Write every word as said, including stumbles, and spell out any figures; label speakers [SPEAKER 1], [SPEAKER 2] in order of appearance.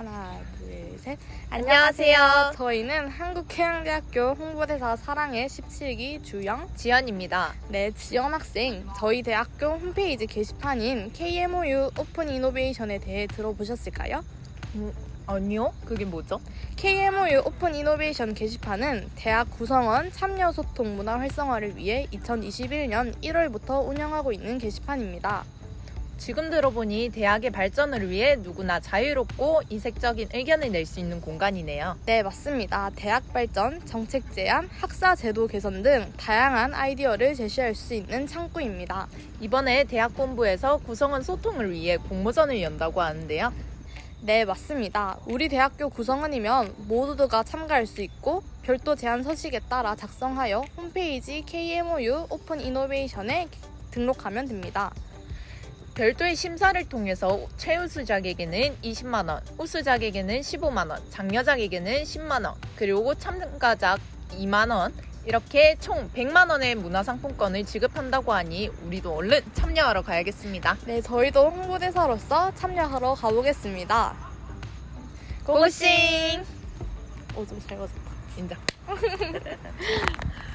[SPEAKER 1] 하나, 둘, 셋.
[SPEAKER 2] 안녕하세요.
[SPEAKER 1] 저희는 한국해양대학교 홍보대사 사랑의 십칠 기 주영,
[SPEAKER 2] 지연입니다.
[SPEAKER 1] 네, 지연 학생. 저희 대학교 홈페이지 게시판인 케이엠오유 오픈 이노베이션에 대해 들어보셨을까요?
[SPEAKER 2] 음, 아니요? 그게 뭐죠?
[SPEAKER 1] 케이엠오유 오픈 이노베이션 게시판은 대학 구성원 참여 소통 문화 활성화를 위해 이천이십일 년 일월부터 운영하고 있는 게시판입니다.
[SPEAKER 2] 지금 들어보니 대학의 발전을 위해 누구나 자유롭고 이색적인 의견을 낼 수 있는 공간이네요.
[SPEAKER 1] 네, 맞습니다. 대학 발전, 정책 제안, 학사 제도 개선 등 다양한 아이디어를 제시할 수 있는 창구입니다.
[SPEAKER 2] 이번에 대학 본부에서 구성원 소통을 위해 공모전을 연다고 하는데요.
[SPEAKER 1] 네, 맞습니다. 우리 대학교 구성원이면 모두가 참가할 수 있고 별도 제안 서식에 따라 작성하여 홈페이지 케이엠오유 오픈 이노베이션에 등록하면 됩니다.
[SPEAKER 2] 별도의 심사를 통해서 최우수작에게는 이십만 원, 우수작에게는 십오만 원, 장려작에게는 십만 원, 그리고 참가작 이만 원, 이렇게 총 백만 원의 문화상품권을 지급한다고 하니 우리도 얼른 참여하러 가야겠습니다.
[SPEAKER 1] 네, 저희도 홍보대사로서 참여하러 가보겠습니다.
[SPEAKER 2] 고고싱!
[SPEAKER 1] 오, 좀 잘 가졌다.
[SPEAKER 2] 인정.